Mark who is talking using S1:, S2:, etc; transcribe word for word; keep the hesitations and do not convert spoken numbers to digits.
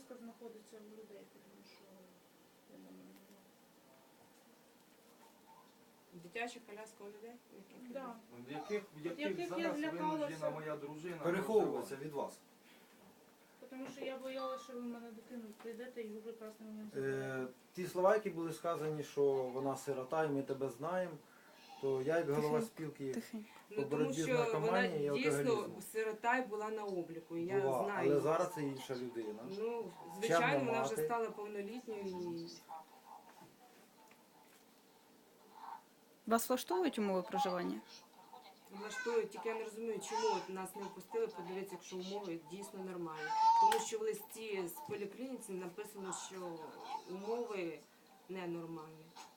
S1: коляска знаходиться в людей, тому що я не знаю.
S2: Дитяча коляска у людей? Яких людей?
S1: Да.
S3: В яких, в яких,
S1: яких я
S3: зараз
S1: злякалася.
S3: винуждена моя дружина
S4: Переховується від вас.
S1: Тому що я боялася, що ви в мене дитину прийдете і ви прекрасно мені
S4: Е,
S1: заберете.
S4: ті слова, які були сказані, що вона сирота і ми тебе знаємо, то я як голова спілки
S5: Тихенько.
S2: Ну,
S4: по
S2: тому
S4: боротьбі з
S2: що вона
S4: наркоманією і
S2: дійсно
S4: алкоголізмом.
S2: сирота і була на обліку, і я
S4: була,
S2: знаю.
S4: але зараз це інша людина.
S2: Ну, звичайно, вона вже
S4: мати.
S2: стала повнолітньою і
S5: Вас влаштовують умови проживання?
S2: влаштують. Тільки я не розумію, чому от нас не впустили, подивитися, якщо умови дійсно нормальні. Тому що в листі з поліклініці написано, що умови ненормальні.